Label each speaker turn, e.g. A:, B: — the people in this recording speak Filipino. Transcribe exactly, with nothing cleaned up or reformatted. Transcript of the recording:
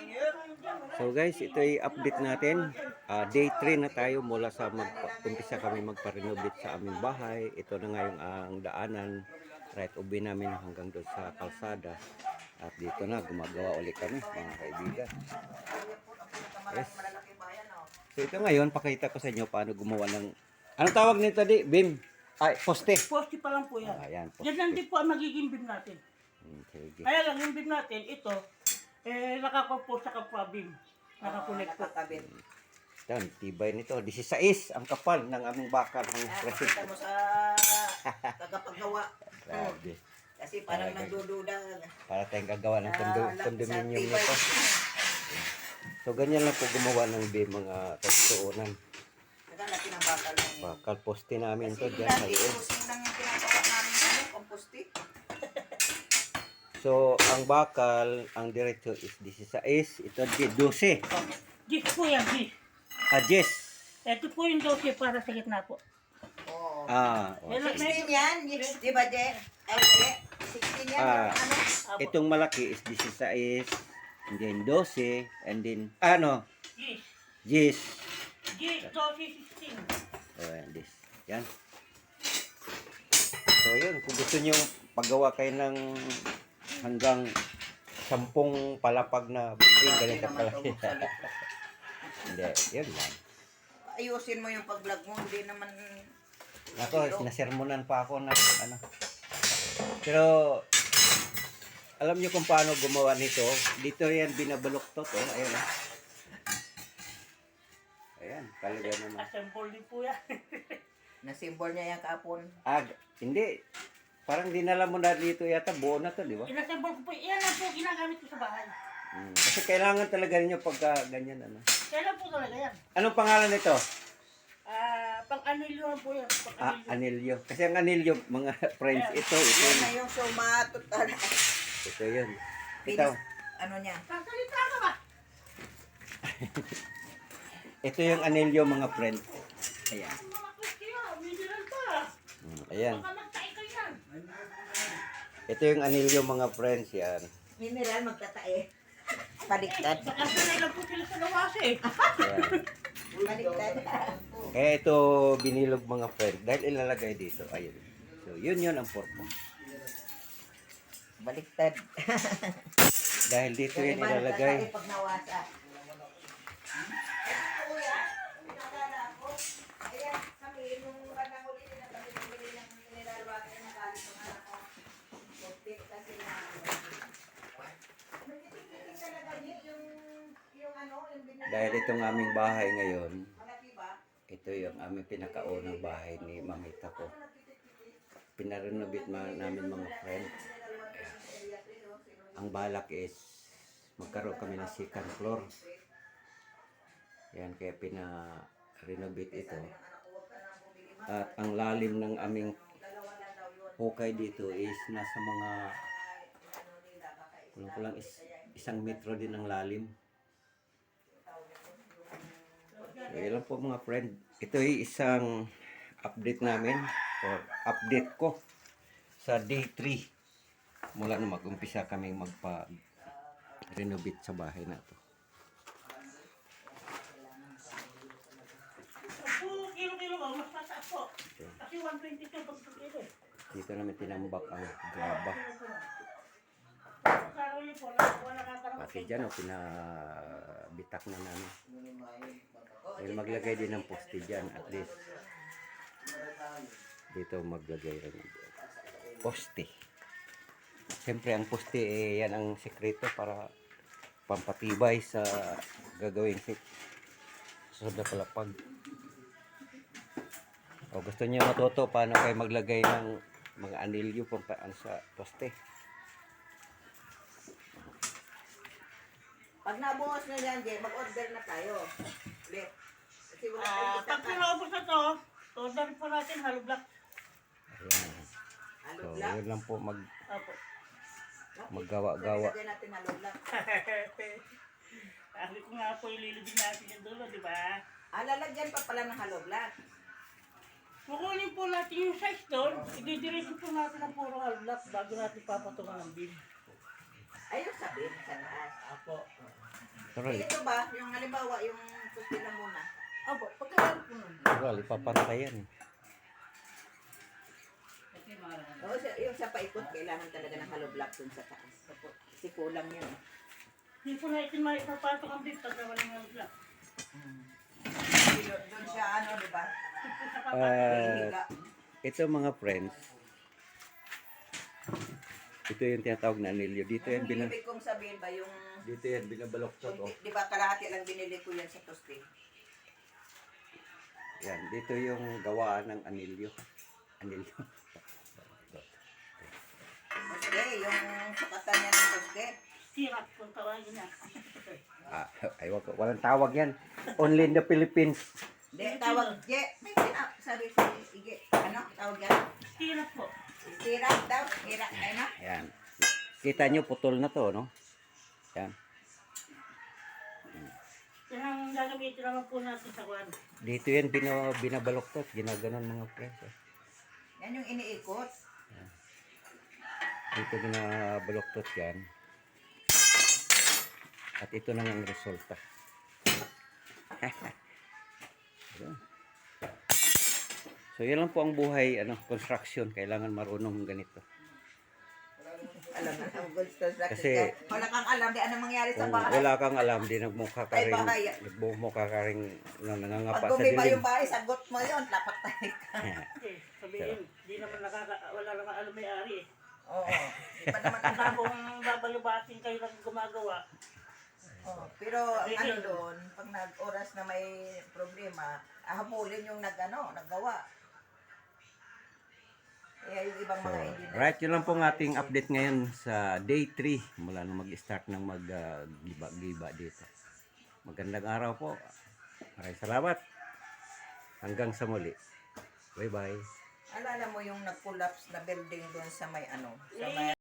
A: So guys, ito ay update natin. Uh, day three na tayo mula sa mag-umpisa kami magpa-renovate sa aming bahay. Ito na ngayon ang daanan. Right ubi namin hanggang doon sa kalsada. At dito na, gumagawa ulit kami mga kaibigan. Yes. So ito ngayon, pakita ko sa inyo paano gumawa ng... Anong tawag nito di? Beam? Ay, poste.
B: Poste pa lang po yan.
A: Ah, yan,
B: yan lang din po ang magiging beam natin.
A: Hmm, sige.
B: Kaya lang yung beam natin, ito, eh, nakakompo sa kapwa beam. Nakakonect po.
A: Yan, tibay nito. dieciséis ang kapal ng aming bakal ng
C: Ah,
A: presid.
C: pakita mo sa tagapaggawa.
A: Grabe.
C: Kasi parang
A: Talaga.
C: nagdududa.
A: Para tayong gagawa ng kondo,
C: Ah,
A: condominium
C: sa tibay.
A: nito. So, ganyan lang po gumawa ng beam mga tagsuunan.
C: Nagalaki ng bakal lang yun.
A: Bakal poste namin to
C: Kasi
A: dyan sa
C: dati,
A: loob.
C: kusing lang yung pinagawa namin ano, komposti.
A: So, ang bakal, ang diretso is dieciséis. Ito di twelve.
B: Gis po yan, gis.
A: Ah, yes.
B: Ito po yung dose para sa gitna po.
C: Oo.
A: Ah, oh.
B: Meron-
C: sixteen yan, yes, di ba, Je? Ay, okay. sixteen yan,
A: Ah.
C: yung ano?
B: Apo.
A: Itong malaki is dieciséis. And then twelve. And then, ano,
B: Gis.
A: yes.
B: Gis, dose sixteen.
A: Oh, yan, this. Yan. So, yun. Kung gusto nyo paggawa kayo ng hanggang sampung palapag na building, ganito pala. Hindi, yun lang.
C: Ayusin mo yung pag-vlog mo, hindi naman...
A: Ako, nasermonan pa ako na ano. Pero, alam nyo kung paano gumawa nito. Dito yan, binabaluktot. Oh. Ayan. Oh. Ayan, talaga naman.
B: Assemble din po yan.
C: Nasimbol niya yung kapon.
A: Ah, hindi. Parang dinala mo na dito yata. Buo na to, di ba?
B: Inassemble ko po. Yan lang po ginagamit ko sa bahay.
A: Hmm. Kasi kailangan talaga ninyo pagka ganyan. Ano.
B: Kaya lang po talaga yan.
A: Anong pangalan nito?
B: Ah, pang anilyo po yan. Pang
A: Ah,
B: anilyo.
A: anilyo. Kasi ang anilyo, mga friends, ito, ito.
C: Yan na yung sumatot.
A: Ito yun. Ito.
C: Pinis, ano niya?
B: Sasalita ka ba?
A: Ito yung anilyo, mga friends. Ayan.
B: Mga kustiyo, mineral pa.
A: Hmm, ayan.
B: Baka magtae ka yan.
A: Ito yung anilyo, mga friends. Yan.
C: Mineral, magtatae. Baliktad.
B: Baka sanay lang po sila sa lawas eh.
A: Ayan.
C: Baliktad.
A: Kaya ito binilog, mga friends. Dahil ilalagay dito. Ayun. So, yun yun ang purpose.
C: Baliktad.
A: Dahil dito
C: Yung
A: yun
C: iba
A: ilalagay.
C: nagtatae pag nawasa. Ayan, kami, nung bandang huli nila, kami bumili ng mineral water na galing ng anak ko. Buktit kasi na. Nagtitik-titik talaga niya yung, yung ano, yung binili.
A: Dahil itong aming bahay ngayon,
C: Malaki ba?
A: ito yung aming pinakaunang bahay ni mamita ko. Pinarenovate ma namin, mga friend. Ang balak is magkaroon kami ng second floor. Yan, kaya pina-renovate ito. At ang lalim ng aming hukay dito is nasa mga kulang-kulang is, isang metro din ang lalim. So, yun lang po, mga friend. Ito ay isang update namin or update ko sa day three mula na mag-umpisa kami magpa-renovate sa bahay na to.
B: Opo, kilo-kilo ba? Mas mataas po. Kasi one twenty-two pag kilo eh.
A: Dito namin tinambak ang graba.
B: Karoli po, wala nakakarang.
A: Pati dyan, oh, pinabitak na namin. Dahil maglagay din ng poste dyan, at least. Dito maglagay rin ng poste. Siyempre, ang poste, eh, yan ang sekreto para pampatibay sa gagawin sit. Sa palapag. O gusto niyo matuto paano kayo maglagay ng mga anilyo pampaan sa poste.
C: Pag nabuhos na yan, Jay, mag-order na tayo. Ulit. Kasi wala
B: Ah,
C: tayong
B: pag
C: isa
B: pinaubos na to, order po natin hollow block.
A: Ayan.
C: Halo
A: So,
C: black.
A: yun lang po mag
B: Opo.
A: maggawa-gawa.
C: Lagyan natin halo black.
B: Sabi ko nga po, ililibig natin yung dulo, di ba?
C: Ah, lalagyan pa pala ng halo black.
B: Kukunin po natin yung size doon, ididiretso po natin ang puro hollow block bago natin papatungan ng beam.
C: Ayun sabi, sa taas.
B: Apo.
A: Pero,
C: Eh, ito ba, yung halimbawa, yung poste na muna.
B: Opo, pagkakaroon po nun.
A: pero ipapantay yan.
C: Oo, sa- yung sa paikot, kailangan talaga ng hollow block dun sa taas. Kasi kulang yun. eh.
B: Hindi po na itin maipapasok ang bit pagka walang alda.
C: Doon doon siya, ano, di ba?
A: Ah,
C: Hihiga.
A: ito mga friends, ito yung tinatawag na anilyo. Dito yan,
C: Yung
A: bina,
C: ibig kong sabihin ba, yung,
A: dito yan binabaloktot.
C: yung
A: Oh.
C: di, di ba kalahati lang binili ko yan sa poste.
A: Yan, dito yung gawaan ng anilyo. Anilyo.
C: Poste, yung sukatan niya ng poste.
B: Sirap kung tawagin na.
A: Ah, ay, wag, walang tawag yan. Only in the Philippines.
C: Di, tawag, je, may tinap, sabi si Ige, ano, tawag yan?
B: Sirap po.
C: Sirap daw, sirap, ay na.
A: Yan. Kita nyo, putol na to, no? Yan.
B: Yan ang gagamitin naman po natin sa kwan.
A: Dito yan bina, binabaloktot. Ginaganon mga friends. Oh.
C: Yan yung iniikot.
A: Dito binabaloktot yan. At ito na ang resulta. Ayan. So yan lang po ang buhay ano construction, kailangan marunong ganito.
C: Alam na, ang gold construction.
A: Kasi-
C: Kasi, wala kang alam, di anong mangyari sa
A: Kung
C: bahay.
A: wala kang alam, di nagmukha ka
C: Ay,
A: rin,
C: bahay.
A: nagmukha ka rin na nangangapa
C: Pag
A: sa
C: gumiba
A: dilim.
C: yung bahay, sagot mo yun, lapat tayo ka.
B: Kasi sabihin, di naman nakaka... Wala naman alam may-ari eh.
C: Oo, di pa naman
B: Ang
C: alam.
B: kung babalubatin kayo lang gumagawa,
C: Oo, pero ang ano doon, pag nag-oras na may problema, ahabulin yung nag, ano, naggawa. Kaya yung ibang
A: So,
C: mga engineer.
A: right, yun lang po ang ating update ngayon sa day three mula nung mag-start ng mag-giba dito. Magandang araw po. Maraming salamat. Hanggang sa muli. Bye-bye.
C: Alala mo yung nag-collapse na building doon sa may ano, sa may